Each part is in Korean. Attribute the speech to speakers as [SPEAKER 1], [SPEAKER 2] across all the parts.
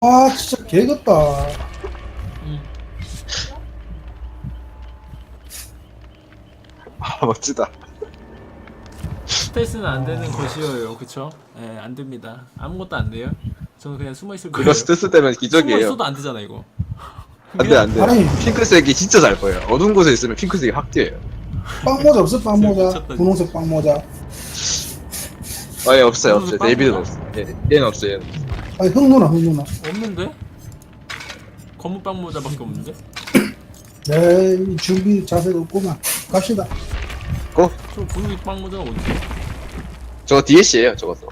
[SPEAKER 1] 아 진짜 개같다.
[SPEAKER 2] 아 멋지다.
[SPEAKER 3] 스텔스는 안 되는 것이에요, 그쵸? 예, 안 됩니다. 아무것도 안 돼요. 저는 그냥 숨어 있을 거예요.
[SPEAKER 2] 그거 스트레스 때문에
[SPEAKER 3] 숨어
[SPEAKER 2] 기적이에요.
[SPEAKER 3] 있어도 안 되잖아 이거.
[SPEAKER 2] 안돼 안돼.
[SPEAKER 1] 아니.
[SPEAKER 2] 핑크색이 진짜 잘 보여요. 어두운 곳에 있으면 핑크색이 확 띄어요.
[SPEAKER 1] 빵모자 없어? 빵모자.
[SPEAKER 3] 미쳤다,
[SPEAKER 1] 분홍색 빵모자.
[SPEAKER 2] 아예 없어요
[SPEAKER 3] 무슨
[SPEAKER 2] 없어요. 네이비는
[SPEAKER 3] 빵이야?
[SPEAKER 2] 없어. 얘는 없어요. 얘는.
[SPEAKER 1] 아니 흑누나 흑누나.
[SPEAKER 3] 없는데? 검은 빵 모자밖에 없는데?
[SPEAKER 1] 네 준비 자세가 없구만. 갑시다.
[SPEAKER 2] 고.
[SPEAKER 3] 저 분홍 빵 모자가 어디?
[SPEAKER 2] 저거 DLC예요 저것도.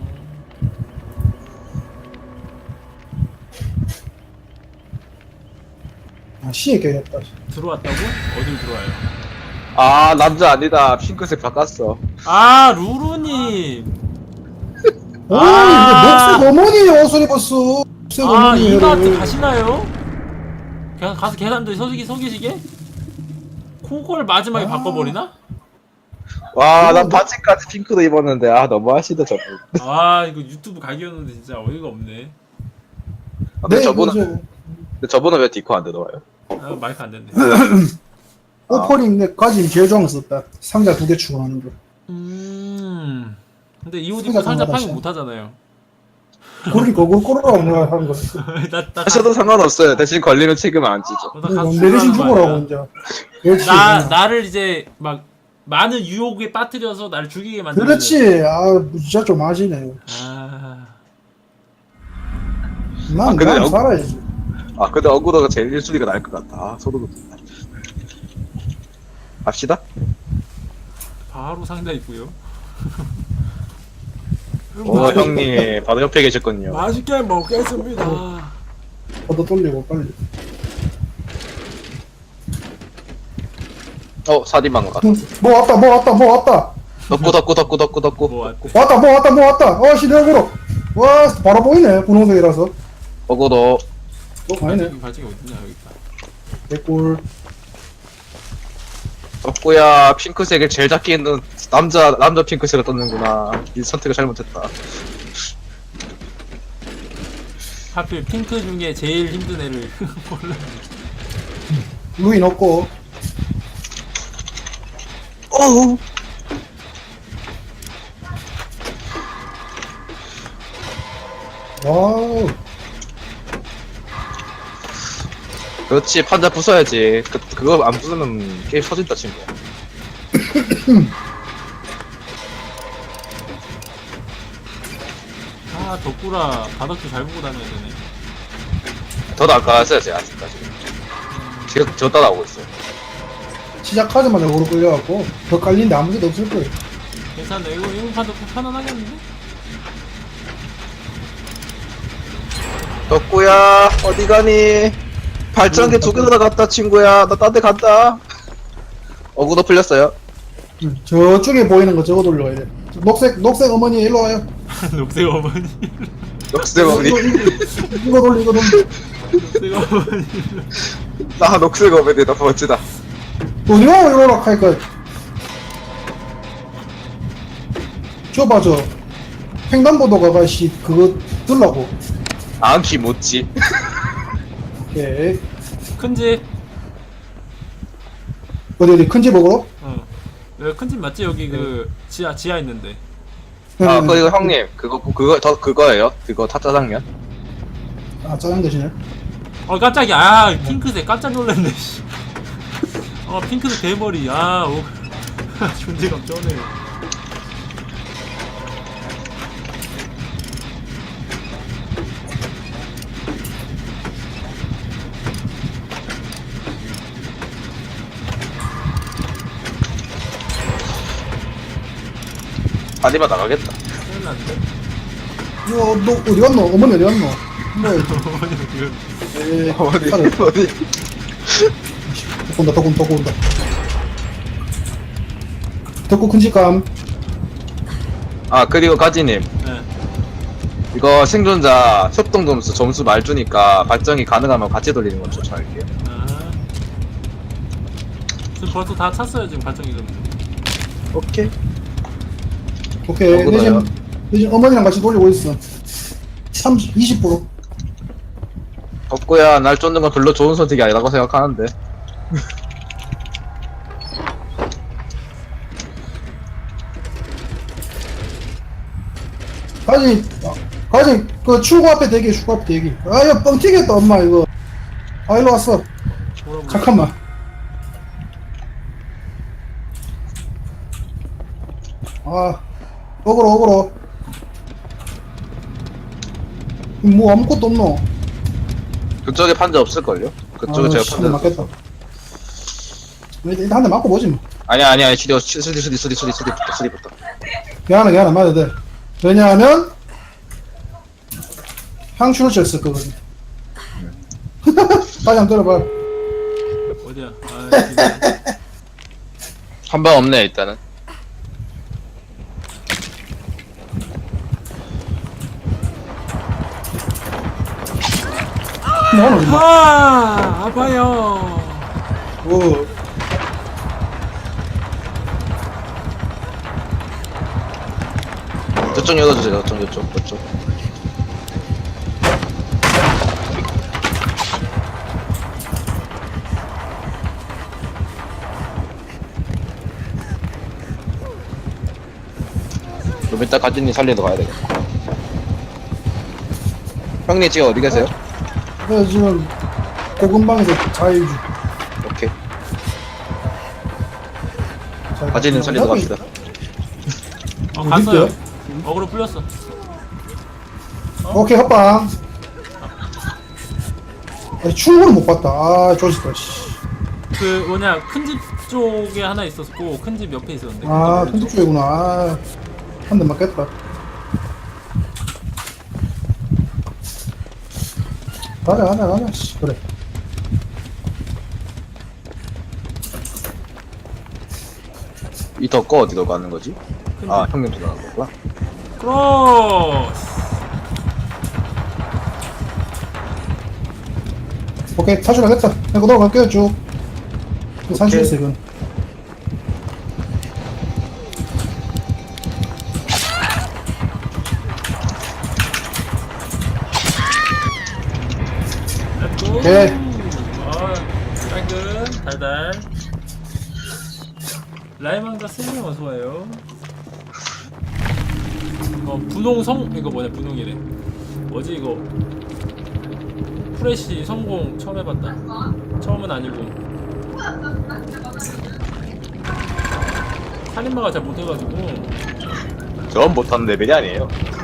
[SPEAKER 1] 아 시에 깨졌다.
[SPEAKER 3] 들어왔다고? 어딜 들어와요?
[SPEAKER 2] 아 남자 아니다. 핑크색 바꿨어.
[SPEAKER 3] 아 루루님.
[SPEAKER 1] 오
[SPEAKER 3] 아.
[SPEAKER 1] 이거 녹색 어머니 옷을 입었어. 녹색
[SPEAKER 3] 아
[SPEAKER 1] 어머니
[SPEAKER 3] 이마트
[SPEAKER 1] 옷을.
[SPEAKER 3] 가시나요? 그냥 가서 계산도 서기시게? 그걸 마지막에 바꿔버리나?
[SPEAKER 2] 와 난 바지까지 핑크도 입었는데 아 너무 하시다 저분.
[SPEAKER 3] 아 이거 유튜브 각이었는데 진짜 어이가 없네.
[SPEAKER 2] 아, 근데
[SPEAKER 1] 네,
[SPEAKER 2] 저분은
[SPEAKER 1] 그죠.
[SPEAKER 2] 근데 저분은 왜 디코 안 들어와요?
[SPEAKER 3] 아 마이크 안 됐네.
[SPEAKER 1] 오퍼링 내 가진 제일 좋아하는 거 썼다. 상자 2개 추가하는 거.
[SPEAKER 3] 근데 이 옷 입고 상자 파밍 못 하잖아요.
[SPEAKER 1] 그러니까 그걸 꼬르라고 내가 하는 거.
[SPEAKER 3] 나
[SPEAKER 2] 하셔도 상관없어요. 대신 걸리면 책임 안 지죠.
[SPEAKER 1] 내 대신 죽으라고 이제. 그렇지.
[SPEAKER 3] 나를 이제 막 많은 유혹에 빠뜨려서 나를 죽이게 만드는.
[SPEAKER 1] 그렇지. 아 진짜 좀 하시네.
[SPEAKER 3] 아
[SPEAKER 1] 난
[SPEAKER 2] 근데
[SPEAKER 1] 난
[SPEAKER 2] 여-
[SPEAKER 1] 살아야지.
[SPEAKER 2] 아 근데 어구더가 제일 1순위가 나을 것 같다. 아 소름 돋는다. 갑시다.
[SPEAKER 3] 바로 상자 있고요.
[SPEAKER 2] 형님 바로 옆에 계셨군요.
[SPEAKER 3] 맛있게 먹겠습니다.
[SPEAKER 1] 걷어 돌리고 빨리.
[SPEAKER 2] 사디망 같.
[SPEAKER 1] 뭐 왔다 뭐 왔다 뭐 왔다.
[SPEAKER 2] 덕구.
[SPEAKER 3] 뭐 왔대?
[SPEAKER 1] 왔다 뭐 왔다 뭐 왔다. 시대역으로. 와 바로 보이네 분홍색이라서.
[SPEAKER 2] 어구더.
[SPEAKER 1] 아니네.
[SPEAKER 3] 발전기 어딨냐 여기 있다.
[SPEAKER 1] 개꿀.
[SPEAKER 2] 덕구야 핑크색을 제일 작게 있는 남자 핑크색을 떴는구나. 이 선택을 잘못했다.
[SPEAKER 3] 하필 핑크 중에 제일 힘든 애를 골라.
[SPEAKER 1] 루인 없고.
[SPEAKER 2] 어우.
[SPEAKER 1] 와우.
[SPEAKER 2] 그렇지 판자 부숴야지. 그거 안 부수면 게임 터진다 친구야.
[SPEAKER 3] 아 덕구라 바닥도 잘 보고 다녀야 되네.
[SPEAKER 2] 더 나가서요 제가 아직까지. 지금 저 따라오고 있어요.
[SPEAKER 1] 시작하자마자 오로 끌려갖고 더 깔린데 아무 데도 없을 거예요.
[SPEAKER 3] 괜찮네. 이거 판도 편안하겠는데?
[SPEAKER 2] 덕구야 어디 가니? 발전기 2개 나갔다 친구야. 나 딴 데 간다. 어구더 풀렸어요.
[SPEAKER 1] 저쪽에 보이는 거 저거 돌려야 돼. 녹색 어머니 일로 와요.
[SPEAKER 3] 녹색 어머니.
[SPEAKER 2] 녹색 어머니.
[SPEAKER 1] 이거 돌리 이거 돌리.
[SPEAKER 3] 녹색 어머니.
[SPEAKER 2] 나 녹색 어머니 너무 멋지다.
[SPEAKER 1] 어디가 이러라 할까? 줘봐 저 횡단보도가 씨 그거 들라고.
[SPEAKER 2] 안키 못지.
[SPEAKER 1] 오케이.
[SPEAKER 3] 큰 집.
[SPEAKER 1] 어디 큰 집 먹으러?
[SPEAKER 3] 여기 큰 집 맞지? 여기 그 지하 있는데.
[SPEAKER 2] 아 그리고 형님 그거예요? 그거 타짜장면?
[SPEAKER 1] 아 짜장 대신에.
[SPEAKER 3] 깜짝이야. 아 핑크색 깜짝 놀랐네. 씨. 핑크색 대머리. 존재감 쩌네.
[SPEAKER 2] 아니면 나가겠다.
[SPEAKER 3] 큰일 났는데.
[SPEAKER 1] 이거 너 어디 갔노? 어머니 어디 갔노? 뭐
[SPEAKER 3] 어머니 지금.
[SPEAKER 1] 에이
[SPEAKER 2] 어디
[SPEAKER 1] 차를
[SPEAKER 2] 어디?
[SPEAKER 1] 덕구 온다 덕구 온다. 덕구 큰 집감.
[SPEAKER 2] 아 그리고 가지님
[SPEAKER 3] 네.
[SPEAKER 2] 이거 생존자 협동 점수 말주니까 발전이 가능하면 같이 돌리는 건 추천할게요.
[SPEAKER 3] 지금 벌써 다 찼어요 지금 발전기 좀.
[SPEAKER 2] 오케이.
[SPEAKER 1] 오케이
[SPEAKER 2] 덕구다요.
[SPEAKER 1] 대신 어머니랑 같이 돌리고 있어. 20%.
[SPEAKER 2] 덕구야, 날 쫓는 건 별로 좋은 선택이 아니라고 생각하는데.
[SPEAKER 1] 가지, 그 출구 앞에 대기, 출구 앞에 대기. 아, 이거 뻥 튀겠다, 엄마, 이거. 아, 일로 왔어.
[SPEAKER 3] 뭐라고?
[SPEAKER 1] 잠깐만. 아, 어그로. 뭐 아무것도 없노?
[SPEAKER 2] 그쪽에 판자 없을걸요? 그쪽에
[SPEAKER 1] 아,
[SPEAKER 2] 제가
[SPEAKER 1] 씨,
[SPEAKER 2] 판자.
[SPEAKER 1] 맞겠다. 일단 한 대 맞고 보지 뭐.
[SPEAKER 2] 아니야, 수리부터.
[SPEAKER 1] 걔 하나 맞아야 돼. 왜냐하면 향수를 쳤을 거거든. 다시 한번 들어봐.
[SPEAKER 3] 어디야? 아, 진짜.
[SPEAKER 2] 한 방 없네, 일단은.
[SPEAKER 1] 뭐하노, 임마.
[SPEAKER 3] 아, 아파요.
[SPEAKER 1] 오.
[SPEAKER 2] 저쪽 열어주세요, 저쪽. 좀 이따 가진이 살리러 가야 되겠다. 형님 지금 어디 계세요?
[SPEAKER 1] 그래서 지금 고금방에서 자유주.
[SPEAKER 2] 오케이. 가진이 살리러 갑시다.
[SPEAKER 3] 갔어요. 어그로 풀렸어.
[SPEAKER 1] 오케이, 헛방. 아니, 충분히 못 봤다. 아, 조졌다, 씨.
[SPEAKER 3] 그 뭐냐 큰 집 쪽에 하나 있었고 큰 집 옆에 있었는데.
[SPEAKER 1] 아,
[SPEAKER 3] 큰 집
[SPEAKER 1] 편집 쪽이구나. 아, 한 대 맞겠다. 가자, 씨. 그래.
[SPEAKER 2] 이 덕거 어디로 가는 거지? 아, 형님 들어가는 거구나.
[SPEAKER 3] 크로스.
[SPEAKER 1] 오케이, 탈출하겠다. 내가 넘어갈게요, 쭉. 산수 있어, 이건.
[SPEAKER 3] 렛츠고.
[SPEAKER 1] 오케이.
[SPEAKER 3] 깔끔 달달. 라이망자 스님 어서와요. 분홍성 이거 뭐냐 분홍이래. 뭐지 이거 프레시 성공 처음 해봤다. 처음은 아니고 살인마가 잘 못해가지고
[SPEAKER 2] 전 못하는 레벨이 아니에요.